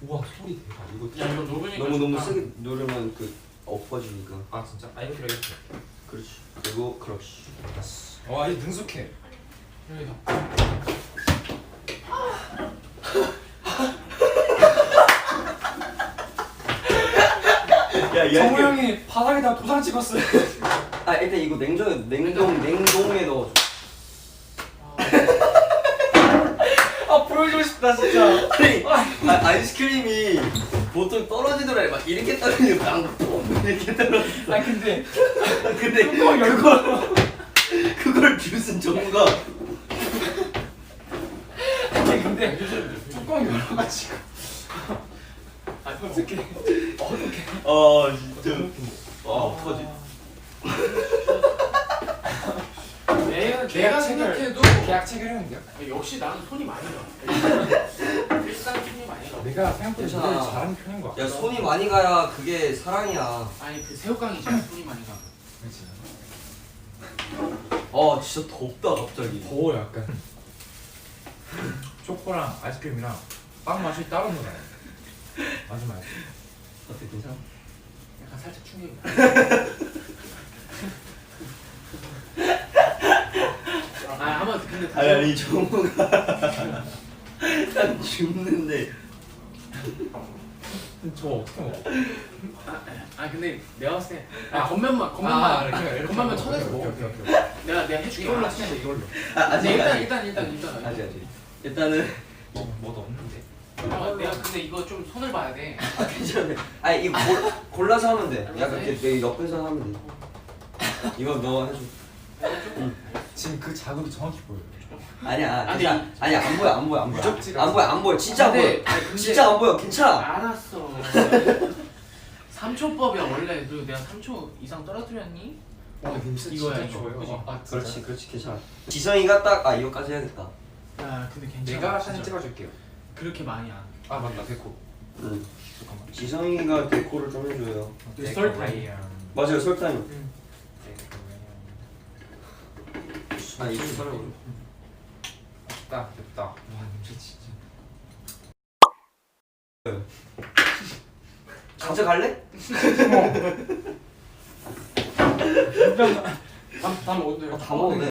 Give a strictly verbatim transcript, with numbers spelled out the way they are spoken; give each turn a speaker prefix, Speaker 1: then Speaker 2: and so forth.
Speaker 1: 우와 소리 대박. 이거
Speaker 2: 야 이거 녹으니까
Speaker 3: 너무 너무
Speaker 2: 좋다.
Speaker 3: 세게 누르면 그 엎어지니까.
Speaker 1: 아 진짜? 아 이렇게 이렇게.
Speaker 3: 그렇지. 그리고 그렇지.
Speaker 1: 와 이거 능숙해.
Speaker 2: 여기다.
Speaker 3: 야,
Speaker 1: 정우 형이 바닥에다 도장 찍었어요.
Speaker 3: 아 일단 이거 냉동 냉동 냉동에 넣어줘.
Speaker 1: 아 보여주고 싶다 진짜.
Speaker 3: 아니 아, 아이스크림이 보통 떨어지더라 막 이렇게 떨어지고 빵 이렇게 떨어졌어.
Speaker 1: 아 근데
Speaker 3: 근데 그걸 그걸 뷰슨 정우가
Speaker 1: 아니 근데 뚜껑 열어가지고.
Speaker 2: 아
Speaker 1: 어떻게 어떻게?
Speaker 3: 아 진짜 아 어떡하지?
Speaker 2: 내가
Speaker 1: 계약
Speaker 2: 내가
Speaker 1: 체결-
Speaker 2: 생각해도
Speaker 1: 계약 체결하면 돼요?
Speaker 2: 역시 나는 손이 많이 가. 일단 손이 많이 가.
Speaker 1: 내가 생각보다
Speaker 3: 괜찮아.
Speaker 1: 노래를 잘하는 편인 것 같아.
Speaker 3: 야 손이 많이 가야 그게 사랑이야.
Speaker 2: 아니 그 새우깡이잖아 손이 많이 가.
Speaker 1: 그렇지.
Speaker 3: 아 진짜 덥다 갑자기.
Speaker 1: 더워 약간. 초코랑 아이스크림이랑 빵 맛이 따로 나요. 맞아 맞아.
Speaker 3: 어때 괜찮아?
Speaker 2: 약간 살짝 충격이야. 아 아마 근데
Speaker 3: 아니 아니 정우가 난 죽는데.
Speaker 1: 저 어떻게 먹어?
Speaker 2: 아, 아 근데 내가 봤을 때 아, 겉면만
Speaker 1: 아,
Speaker 2: 겉면만
Speaker 1: 이렇게, 이렇게
Speaker 2: 겉면만
Speaker 1: 먹어.
Speaker 2: 쳐내서
Speaker 1: 오케이,
Speaker 2: 먹어.
Speaker 1: 오케이, 오케이, 오케이.
Speaker 2: 내가 내가 해줄게.
Speaker 1: 이걸로
Speaker 2: 아,
Speaker 1: 치면 이걸로.
Speaker 3: 아 아직
Speaker 2: 일단
Speaker 3: 아직
Speaker 2: 일단 일단 일단.
Speaker 3: 아직 아직 일단은
Speaker 1: 뭐 뭐도 없는데.
Speaker 2: 아, 내가 근데 이거 좀 손을 봐야 돼.
Speaker 3: 아 괜찮아. 아니 이거 골, 골라서 하면 돼. 약간 이렇게 내 옆에서 하면 돼. 이거 너 해줘.
Speaker 1: 지금 그 자극이 정확히 보여.
Speaker 3: 아니야
Speaker 2: 아니,
Speaker 3: 괜찮아. 아니야 안 보여 안 보여 안 보여.
Speaker 1: 무적지가
Speaker 3: 안 보여 안 보여 진짜 안 보여.
Speaker 2: 근데, 아니, 근데-
Speaker 3: 진짜 안 보여 괜찮아.
Speaker 2: 알았어. 삼 초법이야 원래. 그리고 내가 삼 초 이상 떨어뜨렸니?
Speaker 1: 와 냄새
Speaker 2: 이거야,
Speaker 1: 진짜
Speaker 2: 이거.
Speaker 1: 좋아요.
Speaker 2: 그지?
Speaker 1: 아
Speaker 3: 그렇지 그렇지 괜찮아. 지성이가 딱 아 이거까지 해야겠다.
Speaker 2: 야 근데 괜찮아.
Speaker 1: 내가
Speaker 2: 진짜.
Speaker 1: 사진 찍어줄게요.
Speaker 2: 그렇게 많이 안.
Speaker 1: 아 맞다 데코.
Speaker 3: 응.
Speaker 1: 잠깐만.
Speaker 3: 지성이가 데코를 좀 해줘요.
Speaker 1: 설탕이야.
Speaker 3: 맞아요 설탕.
Speaker 2: 응.
Speaker 3: 아 이거 설탕.
Speaker 1: 됐다 됐다. 와 냄새 진짜.
Speaker 3: 가져갈래?
Speaker 2: 다, 다 먹었어요.
Speaker 3: 다 먹어도 돼.